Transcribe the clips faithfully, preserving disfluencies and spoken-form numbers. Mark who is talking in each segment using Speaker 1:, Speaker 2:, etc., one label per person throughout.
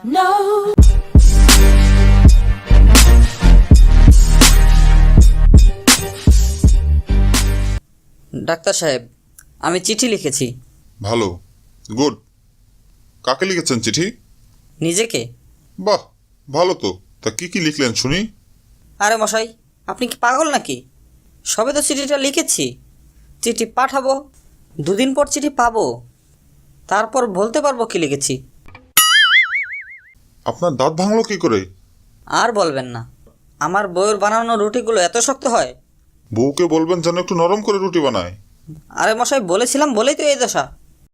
Speaker 1: No.
Speaker 2: Doctor সাহেব, আমি চিঠি লিখেছি।
Speaker 3: ভালো, গুড। কাকে লিখেছেন চিঠি?
Speaker 2: নিজেকে।
Speaker 3: বাহ, ভালো তো। তা কি কি লিখলেন শুনি?
Speaker 2: আরে মশাই, আপনি কি পাগল নাকি? সবে তো চিঠিটা লিখেছি। চিঠি পাঠাবো, দুদিন পর চিঠি পাবো, তারপর বলতে পারবো কি লিখেছি।
Speaker 3: আপনার দাঁত ভাঙলো কি করে?
Speaker 2: আর বলবেন না, আমার বউয়ের বানানো রুটিগুলো এত শক্ত হয়।
Speaker 3: বউকে বলবেন যেন একটু নরম করে রুটি বানায়।
Speaker 2: আরে মশাই, বলেছিলাম বলেই তো এই দশা।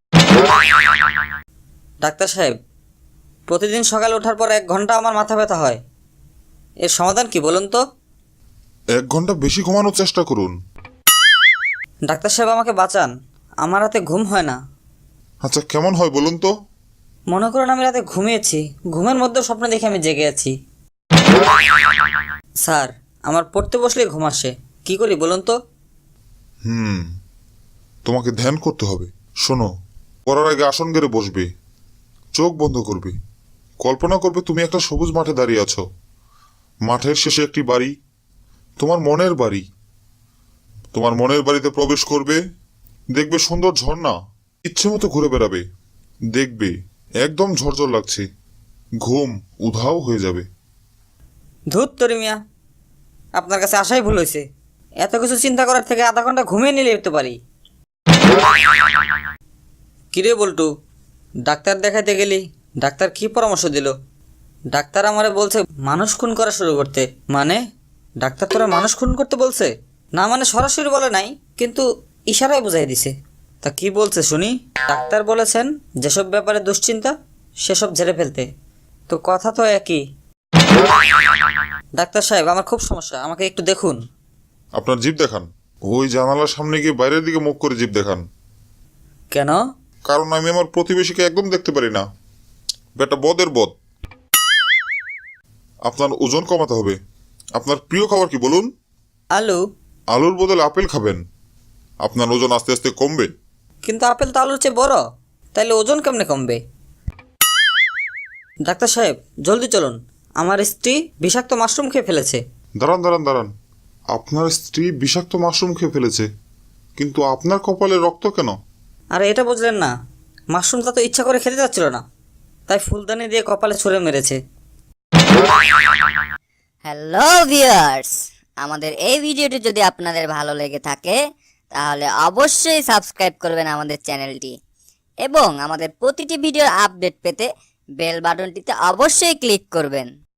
Speaker 2: ডাক্তার সাহেব, প্রতিদিন সকালে ওঠার পর এক ঘন্টা আমার মাথা ব্যথা হয়। এর সমাধান কি বলুন তো?
Speaker 3: এক ঘন্টা বেশি ঘুমানোর চেষ্টা করুন।
Speaker 2: ডাক্তার সাহেব, আমাকে বাঁচান, আমার রাতে ঘুম হয় না।
Speaker 3: আচ্ছা, কেমন হয় বলুন তো?
Speaker 2: মনে করুন আমি রাতে ঘুমিয়েছি, ঘুমের মধ্যে স্বপ্ন দেখে আমি জেগে আছি। স্যার, আমার পড়তে বসলে ঘুম আসে, কি করি বলুন তো?
Speaker 3: হুম তোমাকে ধ্যান করতে হবে। শোনো, পড়ার আগে আসন গেড়ে বসবে, চোখ বন্ধ করবে, কল্পনা করবে তুমি একটা সবুজ মাঠে দাঁড়িয়ে আছো। মাঠের শেষে একটি বাড়ি, তোমার মনের বাড়ি। তোমার মনের বাড়িতে প্রবেশ করবে, দেখবে সুন্দর ঝর্ণা, ইচ্ছে মতো ঘুরে বেড়াবে, দেখবে একদম ঝরঝর লাগছে, ঘুম উধাও হয়ে যাবে।
Speaker 2: ধুত তরি মিয়া, আপনার কাছে আসাই ভুল হয়েছে। এত কিছু চিন্তা করার থেকে আধা ঘন্টা ঘুমিয়ে নিলে যেতে পারি। কিরে বল্টু, ডাক্তার দেখাতে গেলি, ডাক্তার কি পরামর্শ দিল? ডাক্তার আমারে বলছে মানুষ খুন করা শুরু করতে। মানে ডাক্তার তোরা মানুষ খুন করতে বলছে? না মানে সরাসরি বলে নাই, কিন্তু ইশারায় বুঝাই দিছে। তা কি বলছে শুনি? ডাক্তার বলেছেন যেসব ব্যাপারে দুশ্চিন্তা সেসব ঝেড়ে ফেলতে। তো কথা তো একই। ডাক্তার সাহেব, আমার খুব সমস্যা, আমাকে একটু দেখুন।
Speaker 3: আপনার জিভ দেখান। ওই জানালার সামনে গিয়ে বাইরের দিকে মুখ করে জিভ দেখান।
Speaker 2: কেন?
Speaker 3: কারণ আমি আমার প্রতিবেশীকে একদম দেখতে পারি না। বেটা বদের বদ। আপনার ওজন কমাতে হবে। আপনার প্রিয় খাবার কি বলুন?
Speaker 2: আলু।
Speaker 3: আলুর বদলে আপেল খাবেন, আপনার ওজন আস্তে আস্তে কমবে।
Speaker 2: কিন্তু আপেল তো আলুর চেয়ে বড়, তাইলে ওজন কেমনে কমবে? ডাক্তার সাহেব, জলদি চলুন, আমার স্ত্রী বিষাক্ত মাশরুম খেয়ে ফেলেছে।
Speaker 3: দাঁড়ান দাঁড়ান দাঁড়ান, আপনার স্ত্রী বিষাক্ত মাশরুম খেয়ে ফেলেছে, কিন্তু আপনার কপালে রক্ত কেন?
Speaker 2: আর এটা বুঝলেন না, মাশরুমটা তো ইচ্ছা করে খেতে যাচ্ছিল না, তাই ফুলদানি দিয়ে কপালে ছুঁড়ে মেরেছে।
Speaker 4: হ্যালো ভিউয়ার্স, আমাদের এই ভিডিওটি যদি আপনাদের ভালো লেগে থাকে তাহলে অবশ্যই সাবস্ক্রাইব করবেন আমাদের চ্যানেলটি এবং আমাদের প্রতিটি ভিডিওর আপডেট পেতে বেল বাটনটিতে অবশ্যই ক্লিক করবেন।